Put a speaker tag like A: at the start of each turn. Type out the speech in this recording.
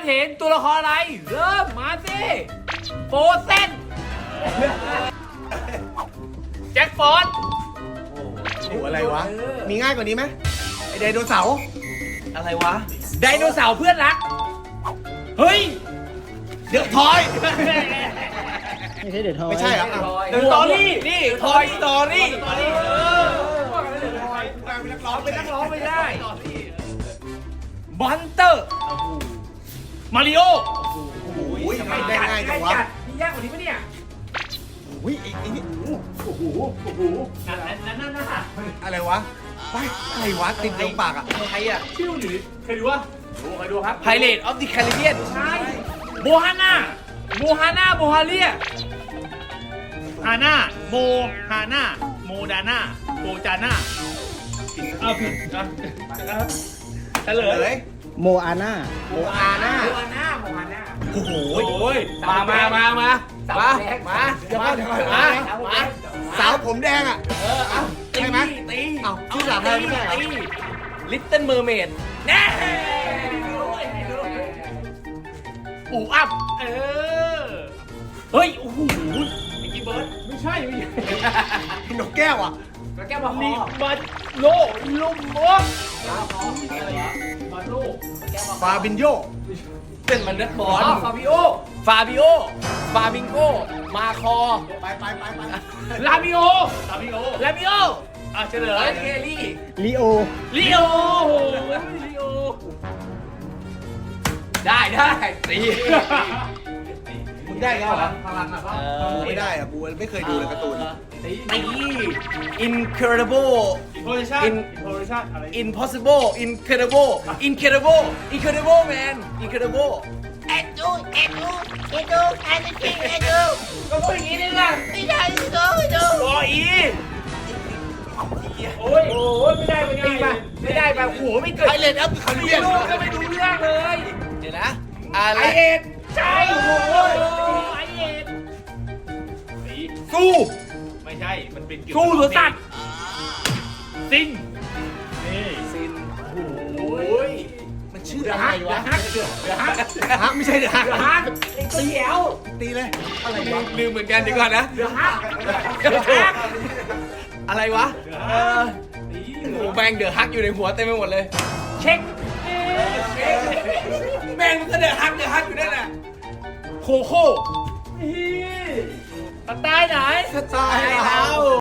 A: เห็นตัวละครอะไรเริ่มมาสิโฟเซนแจ็คฟอร์ด
B: โอ้อะไรวะ มีง่ายกว่านี้ไหมไอไดโนเสาร์
A: อะไรวะไดโนเสาร์เพื่อนรักเฮ้ย
B: เดอะทอย
C: ไม่ใช่เดือดทอย
B: ไม่ใช่เหรอ
A: เดอะสตอรี่นี่ทอยสตอรี่
B: เป็นนักร้อง
A: เป็นนักร้องไม่ได้บันเตอร์มาริโอ
B: โอ้ยทำไมได้ง่ายจังวะ
A: นี่ยากกว่านี้ปะเนี่ย
B: อุ้ยไอ้นี่
A: นั่นน่ะ
B: อะไรวะไปอะไรวะติดตรงปากอ่ะ
A: ใครอ่ะชื่อหรือใครดูวะใครดูครับไพเรตออฟดิแคริเบียนใช่โมฮาน่าโมฮาเลียฮาน่าโมฮาน่าโมดาน่าโมจาน่าเอาผิดเฉลย
C: โมอาน่า
B: โมอาน่า
A: โมฮาน่า
B: โอ้โห
A: โอ้ยมา
B: สาวผมแดงอ่ะ ใช่ไหม
A: ตี
B: เอ้าชื่อสาวไทยไม่ใช่เหรอ
A: ลิตเติ้ลเมอร์เมดแน่อูอัพเฮ้ยโอ้โหมิกกี้เบิร์ดไม่ใช่
B: นกแก้วอ่ะ
A: แก้วมาฮอมาโลลุมบกมาโล
B: ฟาบินโย
A: เป็นมันนักบอลฟาบิโกมาคอ
B: ไป
A: ลาบิโออ่ะเฉลยเคลี่
C: ลีโอ
A: ลีโอได้ตี
B: มึงได้แล้วเหรอ
A: พลังอ่ะ
B: ไม่ได้อ่ะกูไม่เคยดูเลยการ์ตูน
A: ตี incredible impossible incredible man incredible
D: เอ็ดดูแอนด์ทิงเอ็ดดู
A: ก็พูดอย่างนี้นี่นะ
D: ไม่ได้ดู
A: รออีโอ้ยไม่ได้โอ้โหไม่เกิด
B: ไพเรตออฟดิแคริเบียน
A: ก็ไม่รู้เรื่องเลย
B: เดี๋ยวนะ
A: ไอเอ็ดใช่โอ้โหไอเอ็ด
B: สู้
A: ไม่ใช่มันเป็นสู้สวนสัตว์ซิงนี่ซินโอ้ย
B: มันชื่ออะไรวะ
A: เดือดฮัก
B: ฮะไม่ใช่เดี๋ยวฮะ
A: เตียว
B: ตีเลย อะไรวะ
A: ลืมเหมือนกันดีกว่านะเดือดฮักอะไรวะโอ้แบงเดือดฮักอยู่ในหัวเต็มไปหมดเลย เช็คแบงมันก็เดือดฮักอยู่นั่นแหละโคโค่สไตล์ไหน
B: สไตล์เรา